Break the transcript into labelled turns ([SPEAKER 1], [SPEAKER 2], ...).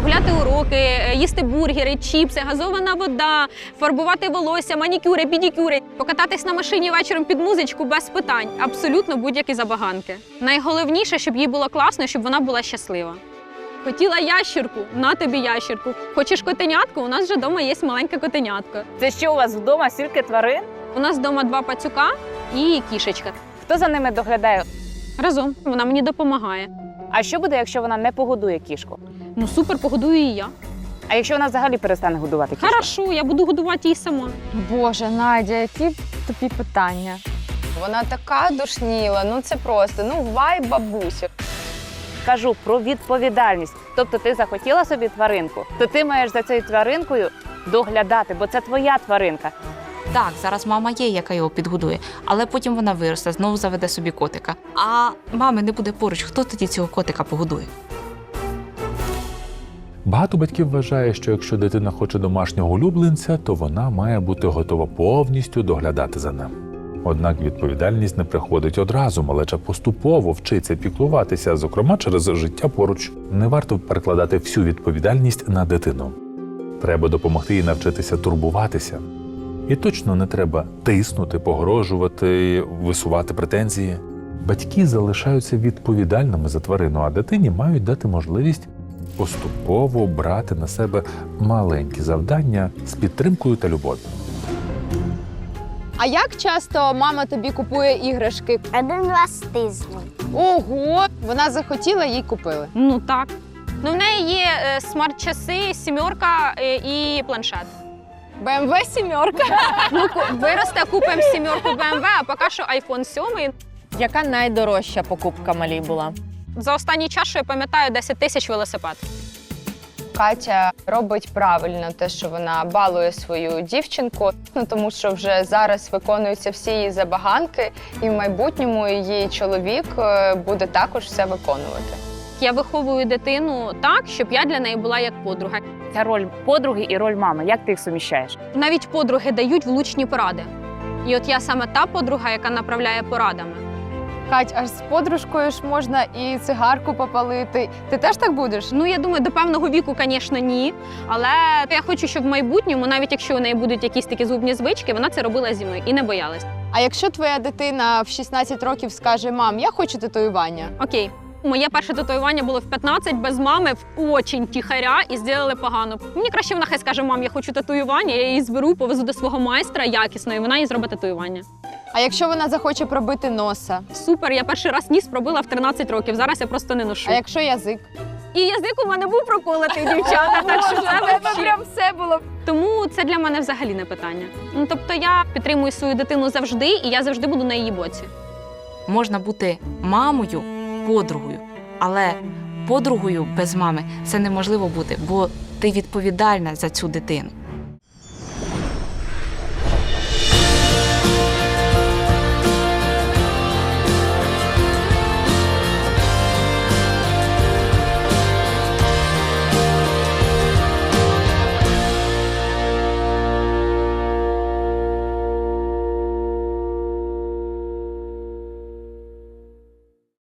[SPEAKER 1] прогуляти уроки, їсти бургери, чіпси, газована вода, фарбувати волосся, манікюри, педикюри, покататись на машині вечором під музичку без питань. Абсолютно будь-які забаганки. Найголовніше, щоб їй було класно, щоб вона була щаслива. Хотіла ящірку? На тобі ящірку. Хочеш котенятку? У нас вже вдома є маленьке котенятко.
[SPEAKER 2] Це що у вас вдома, стільки тварин?
[SPEAKER 1] У нас вдома 2 пацюка і кішечка.
[SPEAKER 2] Хто за ними доглядає?
[SPEAKER 1] Разом. Вона мені допомагає.
[SPEAKER 2] А що буде, якщо вона не погодує кішку?
[SPEAKER 1] Ну супер, погодую і я.
[SPEAKER 2] А якщо вона взагалі перестане годувати кішку?
[SPEAKER 1] Хорошо, я буду годувати її сама.
[SPEAKER 3] Боже, Надя, які тобі питання.
[SPEAKER 4] Вона така душніла, ну це просто, ну вайб бабусю.
[SPEAKER 2] Кажу про відповідальність. Тобто ти захотіла собі тваринку, то ти маєш за цією тваринкою доглядати, бо це твоя тваринка.
[SPEAKER 5] Так, зараз мама є, яка його підгодує, але потім вона виросте, знову заведе собі котика. А мами не буде поруч, хто тоді цього котика погодує?
[SPEAKER 6] Багато батьків вважає, що якщо дитина хоче домашнього улюбленця, то вона має бути готова повністю доглядати за ним. Однак відповідальність не приходить одразу, малеча поступово вчиться піклуватися, зокрема через життя поруч. Не варто перекладати всю відповідальність на дитину. Треба допомогти їй навчитися турбуватися. І точно не треба тиснути, погрожувати, висувати претензії. Батьки залишаються відповідальними за тварину, а дитині мають дати можливість поступово брати на себе маленькі завдання з підтримкою та любов'ю.
[SPEAKER 3] А як часто мама тобі купує іграшки?
[SPEAKER 7] 1 раз в тиждень.
[SPEAKER 3] Ого! Вона захотіла, їй купили.
[SPEAKER 1] Ну так. Ну в неї є смарт-часи, 7 і планшет.
[SPEAKER 3] БМВ 7.
[SPEAKER 1] Ну, виросте, купимо 7 BMW, а поки що iPhone 7.
[SPEAKER 8] Яка найдорожча покупка малій була?
[SPEAKER 1] За останній час, що я пам'ятаю, 10 тисяч велосипед.
[SPEAKER 4] Катя робить правильно те, що вона балує свою дівчинку, ну тому що вже зараз виконуються всі її забаганки, і в майбутньому її чоловік буде також все виконувати.
[SPEAKER 1] Я виховую дитину так, щоб я для неї була як подруга.
[SPEAKER 2] Ця роль подруги і роль мами. Як ти їх суміщаєш?
[SPEAKER 1] Навіть подруги дають влучні поради. І от я саме та подруга, яка направляє порадами.
[SPEAKER 3] Кать, аж з подружкою ж можна і цигарку попалити. Ти теж так будеш?
[SPEAKER 1] Ну, я думаю, до певного віку, звісно, ні. Але я хочу, щоб в майбутньому, навіть якщо у неї будуть якісь такі зубні звички, вона це робила зі мною і не боялась.
[SPEAKER 3] А якщо твоя дитина в 16 років скаже: мам, я хочу татуювання?
[SPEAKER 1] Окей. Моє перше татуювання було в 15 без мами, в очень тихаря, і зробили погано. Мені краще вона хай скаже: мам, я хочу татуювання, я її зберу, повезу до свого майстра якісно, і вона їй зробить татуювання.
[SPEAKER 3] А якщо вона захоче пробити носа?
[SPEAKER 1] Супер, я перший раз ніс пробила в 13 років, зараз я просто не ношу.
[SPEAKER 3] А якщо язик?
[SPEAKER 1] І язик у мене був проколотий, дівчата, так що це вообще.
[SPEAKER 3] прям все було.
[SPEAKER 1] Тому це для мене взагалі не питання. Ну, тобто я підтримую свою дитину завжди, і я завжди буду на її боці.
[SPEAKER 5] Можна бути мамою, подругою, але подругою без мами це неможливо бути, бо ти відповідальна за цю дитину.